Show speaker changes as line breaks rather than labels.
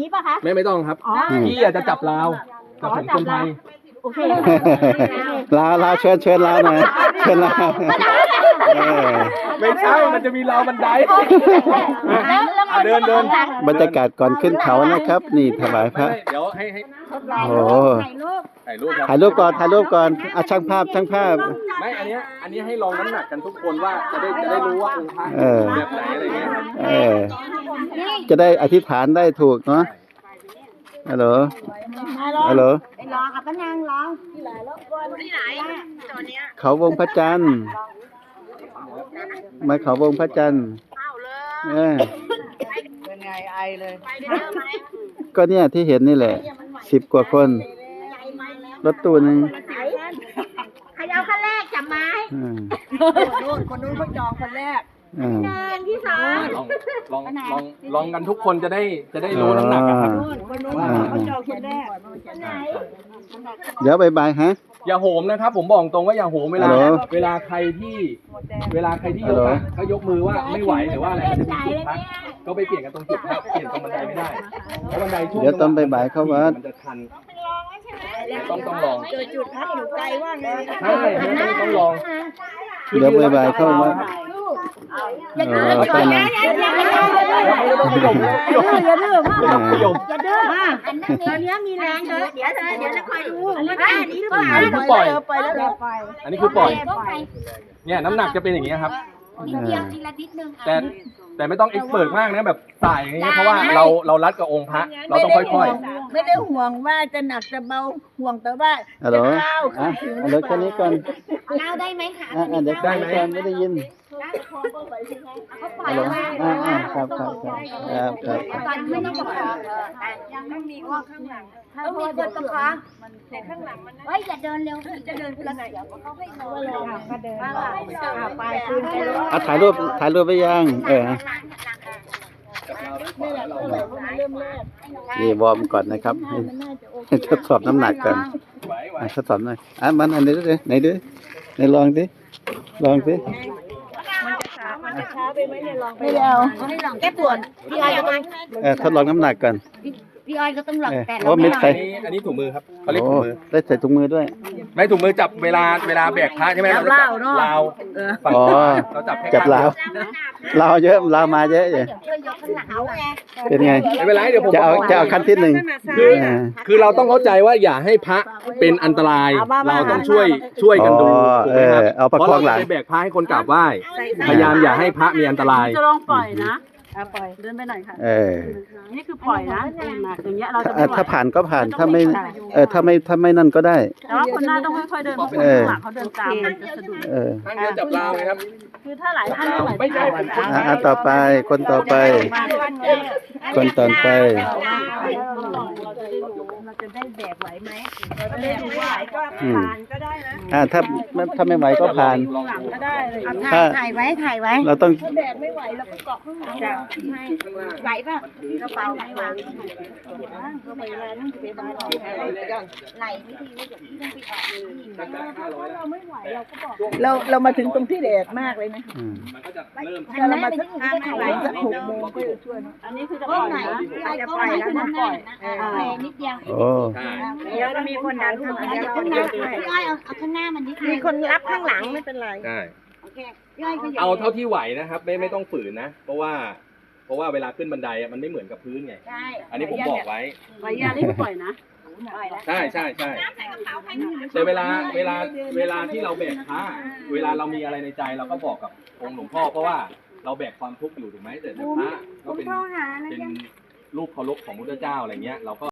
นี้ป่ะคะ
ไม่ต้องครับพี่อาจจะจับลาวแต่ผมคนไทย
โอเค
ลาวเชิญลาวหน่อยเชิญลาว
ไม่ใช่มันจะมีราวบันได
แล้ว
เดิน
บรรยากาศก่อนขึ้นเขานะครับ นี่ถวายพระ
เดี๋ยวให้
โอ้
ถ่ายรูป
ถ่ายรูปครับ
ถ่ายรูปก่อนอ่ะช่างภาพ
ไม่อันนี้ให้ลองน้ำหนักกันทุกคนว่าจะได้รู้ว่าองค์พระแบบไหนอะไรเงี้ย
จะได้อธิษฐานได้ถูกเนาะฮัลโหล
ไปรอกับพระนางรอที่ไหนตอนเนี้ย
เขาวงพระจันทร์มาเขาวงพระจันทร์
เป็นไงไอเลย
ก็เนี่ยที่เห็นนี่แหละ10 กว่าคนรถตู้หนึง
ใครเอาขั้นแรกจับไม้
คนนู้นเขาจองคนแรก
หนึ่งที่สอง
ลองกันทุกคนจะได้รู้น้ำหนักอะครับ
คนนู้นเขาจองคนแรก
ไหน
เดี๋ยวบายฮะ
อย่าโหมนะครับผมบอกตรงว่าอย่าโหมเวลา
ฮัลโหล
เวลาใครที่ยกอะก็ยกมือว่าไม่ไหวหรือว่าอะไรมันจะมีจุดพักก็ไปเปลี่ยนกันตรงจุดพักเปลี่ยนตรงบันไดไม่ได้เพราะบันไดช่วง
เดี๋ยวต้องบ่ายเข้าวัด
มันจะชันต้องลอง
เจอจุดพักอยู่ไกลว่าไง
ใช่ต้องลอง
เดี๋ยวบ่ายเข้าวัด
อย่าดื้อ
ตอนนั้น
อย่าดื้อพ่ออย่าดื้อตอนนี้มีแรงเยอะเดี๋ยวจะคอยดูว่าอันนี้หรือเปล่า
อันนี้คือปล่อย
ไปแล้ว
อันนี้คือปล่อย เนี่ยน้ำหนักจะเป็นอย่างนี้ครับ
นิดเดียวทีละนิดนึง
แต่ไม่ต้องเอ็กซ์เพิร์มากนะแบบสายอย่างเงี้ยเพราะว่าเรารัดกับองค์พระเราต้องค่อย
ไม่ได้ห่วงว่าจะหนักจะเบาห่วงแต่ว่า
ฮัลโหล
จะก้าว
อ่ะเอาเดี๋ยวแค่นี้ก่อน
เล่าได้ไหมคะ
เดี๋ยวแค่นี้ก่อนไม่ได้ยิน
เขาปล่อย
ฮัลโหล
มา
ครับ
ตอนไม่ต้องประคองยังไม่มีคนข้างหลังต้องมีคนประคองแต่ข้างหลังมันเฮ้ยอย่าเดินเร็วจะเดินคนละเสียวเขาให้เขาเลยก็เดินไปคืนไปเลย
อ่ะถ่ายรูปไปยังนี่วอร์มก่อนนะครับให้ทดสอบน้ำหนักก่อน
ๆไหว
ทดสอบหน่อยมันอันนี้ด้วยไหนลองสิ
มันจะช้าไปไหมเนี่ยลองไป
ไม่เอาไม่ลองแก้ปวดพี่อ้อยก็ต้อง
ทดลองน้ำหนักก่อน
พี่อ้อยก็ต้องลองแต่
โอ้เม็ดใส่
อันนี้ถุงมือครับเขาเรียกถุงมือ
ได้ใส่ถุงมือด้วย
ไม่ถุงมือจับเวลาแบกพระใช่ไหมเราจับลาวฝั่งเราจับแค่
จับลาวเยอะลาวมาเยอะเลย
ช่วยยกข้างหลังเอาไง
เป็นไง
ไม่เป็นไรเดี๋ยวผม
จะเอาขั้นที่หนึ่ง
คือเราต้องเข้าใจว่าอย่าให้พระเป็นอันตราย เราต้องช่วยกันดูถูกไหมครับ
เอาประ
เพราะ
คอ
เรา
งหลัง
จะแบกพระให้คนกราบไหว้พยายามอย่าให้พระมีอันตราย
จะลองปล่อยนะปล่อยเดินไปหน่อยค่ะนี่คือปล่อยนะอย่างเงี้ยเราจะไม่ไหว
ถ้าผ่านก็ผ่านถ้าไม่ถ้าไม่นั่นก็ได้
แต่ว่าคนหน้าต้องค่อยๆเดินเพราะคนข้างหลังเขาเดินตามมันจะสะดุด
ท่านจะจับลาวไหมครับ
คือถ้าหลายท่านไม่ไหว
ไม่ใช่
ต่อไปคนต่อไป
เราจะได้แบกไหวไหมเราจะได้ดูว่าไหวก็ผ่านก็ได้นะ
ถ้าไม่ไหวก็ผ่าน
หลังก็ได้เลย
ถ่ายไว้
เราต้อง
แบกไม่ไหวแล้วก็เกาะข้างหลัง
ไหวป่ะกระเป๋าไหนวาง
ก็ไปแล้วนั่งไปบ้านเรา
ไหลไม่ดีว่าเดี๋ยวพี่ต้องไปออก
เราไม่ไหวเราก็บอกเรามาถึงตรงที่แดดมากเลยนะ
มันก็จะเริ่ม
ถ้าเรามาสักสัก6 โมงก็จะช่วย
อันนี้คือจะ
ก็
ปล่อย
ไหน
นะ
พี่อ้อยก็ไหนคือน้ำหนักแพนิดเดียว
โอ้
ใช่
เดี๋ยวจะมีคนดันขึ้นมา
เดี๋ยวข้างหน้าพี่อ้อยเอาข้างหน้ามันนิดนึง
มีคนรับข้างหลังไม่เป็นไร
ใช่
โอเคพี่อ้อยก็อย่า
เอาเท่าที่ไหวนะครับไม่ต้องฝืนนะ เพราะว่าเวลาขึ้นบันไดมันไม่เหมือนกับพื้นไง
ใช่
อันนี้ผมบอกไว้
ไหวยานี่คือปล่อยนะ
ใช่แต่เวลาที่เราแบกพระเวลาเรามีอะไรในใจเราก็บอกกับองค์หลวงพ่อเพราะว่าเราแบกความทุกข์อยู่ถูกไหมแต่พระก็เป็นรูปเคารพของพุทธเจ้าอะไรเงี้ยเราก็